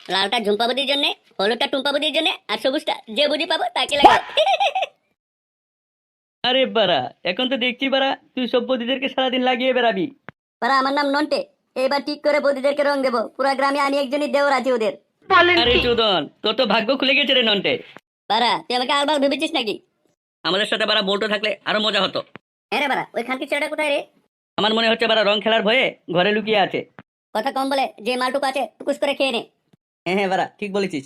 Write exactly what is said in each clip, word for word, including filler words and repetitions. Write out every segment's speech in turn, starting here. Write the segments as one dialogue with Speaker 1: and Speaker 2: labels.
Speaker 1: লালটা ঝুম্পা বুদির জন্য, হলুদটা টুম্পা বুদির জন্য, আর সবুজটা যে বুদি পাবো তাকে লাগাবো।
Speaker 2: আরে বাড়া, এখন তো দেখছি বাড়া তুই সব বৌদিদেরকে সারাদিন লাগিয়ে বেড়াবি।
Speaker 1: বারা আমার নাম নন্টে। এবার ঠিক করে বৌদিদেরকে রং দেবো, পুরা গ্রামে আমি একজনই দেওর আছি ওদের।
Speaker 2: আরে চোদন, তোর তো ভাগ্য খুলে গেছে রে নন্টে।
Speaker 1: বারা তুই আমাকে আলবাল ভেবেছিস নাকি?
Speaker 2: আমাদের সাথে বাড়া বল্টু থাকলে আরো মজা হতো।
Speaker 1: হ্যাঁ রে বারা, ওই খানকি ছেলেটা কোথায় রে?
Speaker 2: আমার মনে হচ্ছে বাড়া রং খেলার ভয়ে ঘরে লুকিয়ে আছে।
Speaker 1: কথা কম বলে যে মালটুকু আছে টুকুস করে খেয়ে নে।
Speaker 2: হ্যাঁ হ্যাঁ বাড়া, ঠিক বলেছিস।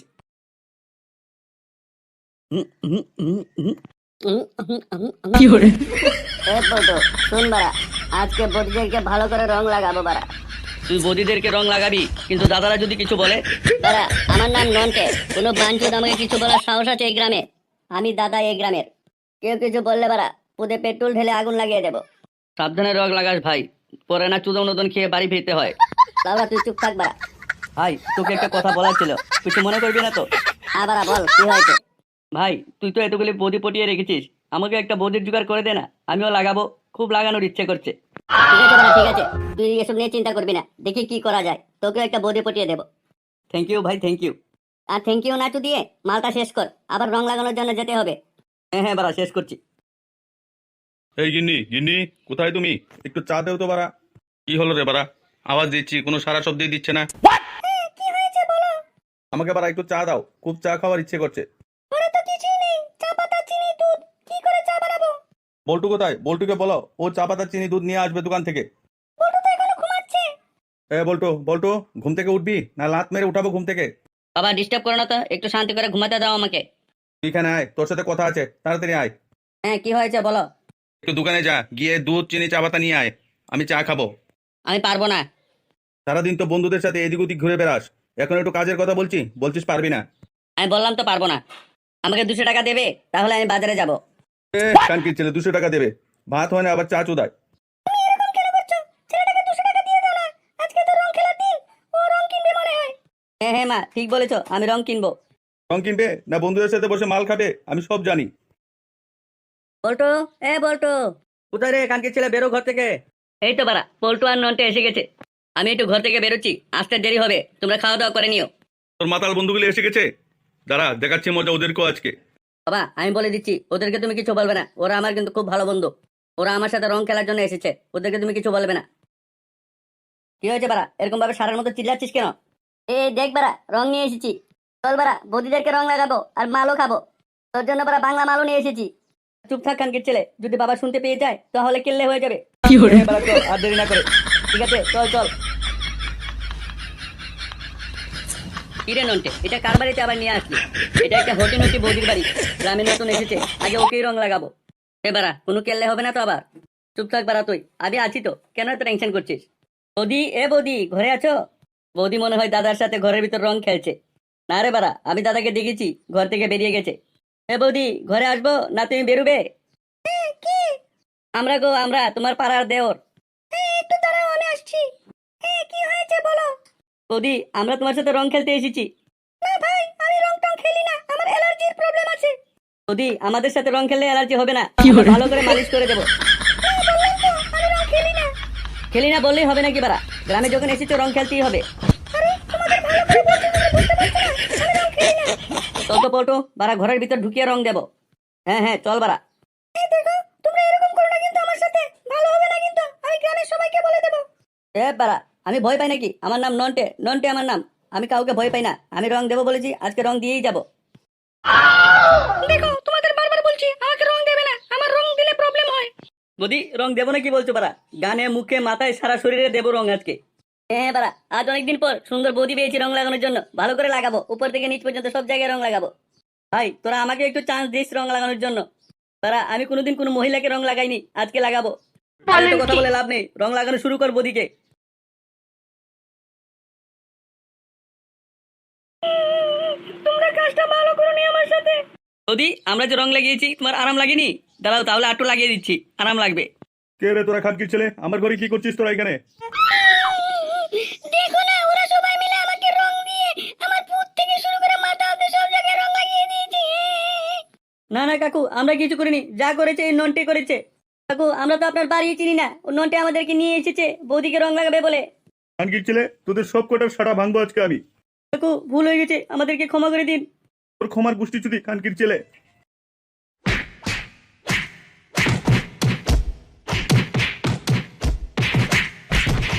Speaker 2: হুম, হুম, হুম, হুম।
Speaker 1: উম, উম, উম, উম। এ বলতো, শুন বারা, আজকে বৌদিদেরকে ভালো করে রং লাগাবো বারা।
Speaker 2: তুই বৌদিদেরকে রং লাগাবি, কিন্তু দাদারা যদি কিছু বলে?
Speaker 1: বারা আমার নাম নন্টে, কোনো বাঞ্চুদ আমাকে কিছু বলার সাহস আছে এই গ্রামে? আমি দাদা এই গ্রামের। কেউ কিছু বললে বারা পুদে পেট্রোল ঢেলে আগুন লাগিয়ে দেবো।
Speaker 2: সাবধানে রং লাগাস ভাই, পরে না চুদন নদন খেয়ে বাড়ি ফিরতে হয়।
Speaker 1: বাবা তুই চুপ থাক বারা।
Speaker 2: ভাই তোকে একটা কথা বলার ছিল, কিছু মনে করবি না তো?
Speaker 1: আবার বল কি হয়েছে?
Speaker 2: ভাই তুই তো এতগুলি বৌদি পটিয়ে রেখেছিস, আমাকে একটা বৌদির জোগাড় করে দে না, আমিও লাগাবো, খুব লাগানোর ইচ্ছে করছে।
Speaker 1: ঠিক আছে বারা, ঠিক আছে, তুই এসব নিয়ে চিন্তা করবি না, দেখি কি করা যায়, তোকেও একটা বৌদি পটিয়ে দেবো।
Speaker 2: থ্যাংক ইউ ভাই, থ্যাংক ইউ।
Speaker 1: আর থ্যাংক ইউ না তো দিয়ে মালটা শেষ কর, আবার রং লাগানোর জন্য যেতে হবে।
Speaker 2: হ্যাঁ হ্যাঁ বাড়া, শেষ করছি।
Speaker 3: এই গিন্নি গিন্নি, কোথায় তুমি? একটু চা দেও তো বাড়া। কি হলো রে বাড়া? আওয়াজ দিচ্ছি, কোনো সারা শব্দই দিচ্ছে না।
Speaker 1: কি হয়েছে বলো?
Speaker 3: আমাকে বাড়া একটু চা দাও, খুব চা খাওয়ার ইচ্ছে করছে।
Speaker 1: ঘরে তো কিছুই নেই, চা পাতা চিনি দুধ, কি করে চা বানাবো?
Speaker 3: বল্টু কোথায়? বল্টুকে বলো ও চা পাতা চিনি দুধ নিয়ে আসবে দোকান থেকে।
Speaker 1: বড় তো এখনো ঘুমাচ্ছে।
Speaker 3: এ বল্টু বল্টু, ঘুম থেকে উঠবি না লাত মেরে উঠাবো ঘুম থেকে?
Speaker 2: বাবা ডিস্টার্ব করো না তো, একটু শান্তি করে ঘুমাতে দাও আমাকে।
Speaker 3: তুই এখানে আয়, তোর সাথে কথা আছে, তাড়াতাড়ি আয়।
Speaker 2: হ্যাঁ কি হয়েছে বলো।
Speaker 3: একটু দোকানে যা, গিয়ে দুধ চিনি চা পাতা নিয়ে আয়, আমি চা খাবো।
Speaker 2: আমি পারবো না।
Speaker 3: সারাদিন তো বন্ধুদের সাথে এদিক ওদিক ঘুরে বেড়াস, এখন একটু কাজের কথা বলছি, বলছিস পারবি না।
Speaker 2: আমি বললাম তো পারবো না। আমাকে দুশো টাকা দেবে, তাহলে আমি বাজারে যাব।
Speaker 3: এ কানকির ছেলে, দুশো টাকা দেবে? ভাত হয় না আবার চা চুদায়।
Speaker 2: হ্যাঁ হ্যাঁ মা, ঠিক বলেছো, আমি রং কিনবো।
Speaker 3: রং কিনবে না বন্ধুদের সাথে বসে মাল খাবে, আমি সব জানি।
Speaker 2: বল্টু, এ বল্টু। কোথায় রে কানকির ছেলে, বেরো ঘর থেকে। এই তো বাড়া, বল্টু আর নন্টে এসে গেছে। আমি একটু ঘর থেকে বেরোচ্ছি, আসতে দেরি হবে, তোমরা খাওয়া দাওয়া করে নিও।
Speaker 3: তোর মাতাল বন্ধুগুলো এসে গেছে, দাঁড়া দেখাচ্ছি মজা ওদেরকেও আজকে।
Speaker 2: বাবা আমি বলে দিচ্ছি, ওদেরকে তুমি কিছু বলবে না, ওরা আমার কিন্তু খুব ভালো বন্ধু। ওরা আমার সাথে রং খেলার জন্য এসেছে, ওদেরকে তুমি কিছু বলবে না। কি হয়েছে বাড়া, এরকম ভাবে সারার মতো চিল্লাচ্ছিস কেন?
Speaker 1: এ দেখ বারা, রং নিয়ে এসেছি। চল বারা, বৌদিদেরকে রং লাগাবো আর মালও খাবো। তোর জন্য বারা বাংলা মালও নিয়ে এসেছি।
Speaker 2: চুপ থাক কানকির ছেলে, যদি বাবা শুনতে পেয়ে যায় তাহলে কেল্লে হয়ে যাবে। হ্যাঁ, বাড়া, চল, আর দেরি না করে। ঠিক আছে চল চল। কিরে নন্টে, এটা কার বাড়িতে আবার নিয়ে আসলি? এটা একটা হটি নটি বৌদির বাড়ি, গ্রামে নতুন এসেছে, আগে ওকেই রং লাগাবো। এ বাড়া, কোনো কেল্লে হবে না তো আবার? চুপ থাক বাড়া তুই, আমি আছি তো, কেন এত টেনশন করছিস? বৌদি, এ বৌদি, ঘরে আছো? বৌদি মনে হয় দাদার সাথে ঘরের ভিতর রং খেলছে। না রে বাড়া, আমি দাদাকে দেখেছি, ঘর থেকে বেরিয়ে গেছে। এ বৌদি, ঘরে আসবো না তুমি বেরুবে? আমরা গো, আমরা তোমার পাড়ার দেওর। একটু দাঁড়াও, আমি আসছি। কি হয়েছে বলো। বৌদি, আমরা তোমার সাথে রং খেলতে এসেছি। না ভাই, আমি রং টং খেলি না, আমার অ্যালার্জির প্রবলেম আছে। বৌদি, আমাদের সাথে রং খেললে অ্যালার্জি হবে না, আমরা ভালো করে মালিশ করে দেবো। খেলি না বললেই হবে নাকি বাড়া, গ্রামে যখন এসেছো রং খেলতেই হবে। চল তো পল্টু, বাড়া ঘরের ভিতর ঢুকিয়ে রং দেবো। হ্যাঁ হ্যাঁ চল বাড়া। এ বাড়া, আমি ভয় পাই নাকি? আমার নাম নন্টে, নন্টে আমার নাম। আমি কাউকে ভয় পাই না, আমি রং দেবো বলেছি, আজকে রং দিয়েই যাব। দেখো তোমাদের বারবার বলছি আমাকে রং দেবে না, আমার রং দিলে প্রবলেম হয়। বদি, রং দেবো না কি বলছো বাড়া? গানে মুখে মাথায় সারা শরীরে দেবো রং আজকে। হ্যাঁ বাড়া, আজ অনেকদিন পর সুন্দর বৌদি পেয়েছি রং লাগানোর জন্য, ভালো করে লাগাবো, উপর থেকে নিচ পর্যন্ত সব জায়গায় রং লাগাবো। ভাই তোরা আমাকে একটু চান্স দিস রং লাগানোর জন্য। তারা, আমি কোনোদিন কোনো মহিলাকে রং লাগাইনি, আজকে লাগাবো। আর এত কথা বলে লাভ নেই, রং লাগানো শুরু কর বদিকে। তোমরা কাজটা ভালো করোনি আমার সাথে। বৌদি, আমরা যে রং লাগিয়েছি তোমার আরাম লাগেনি? দাঁড়াও তাহলে আটু লাগিয়ে দিচ্ছি, আরাম লাগবে।
Speaker 3: কে রে তোরা খানকির ছেলে, আমার ঘরে কি করছিস তোরা এখানে?
Speaker 1: দেখো না, ওরা সবাই মিলে আমাকে রং দিয়ে আমার পুত থেকে শুরু করে মাথা অবধি সব জায়গায় রং লাগিয়ে দিয়েছে।
Speaker 2: না না কাকু, আমরা কিছু করিনি, যা করেছে এই নন্টে করেছে। কাকু আমরা তো আপনার বাড়ি চিনি না, ও নন্টে আমাদেরকে নিয়ে এসেছে বৌদিকে রং লাগাবে বলে।
Speaker 3: খানকির ছেলে, তোদের সব কটার সাটা ভাঙবো আজকে আমি।
Speaker 2: কাকু ভুল হয়ে গেছে, আমাদেরকে ক্ষমা করে দিন।
Speaker 3: তোর ক্ষমার গোষ্ঠী চুদি কানকির ছেলে।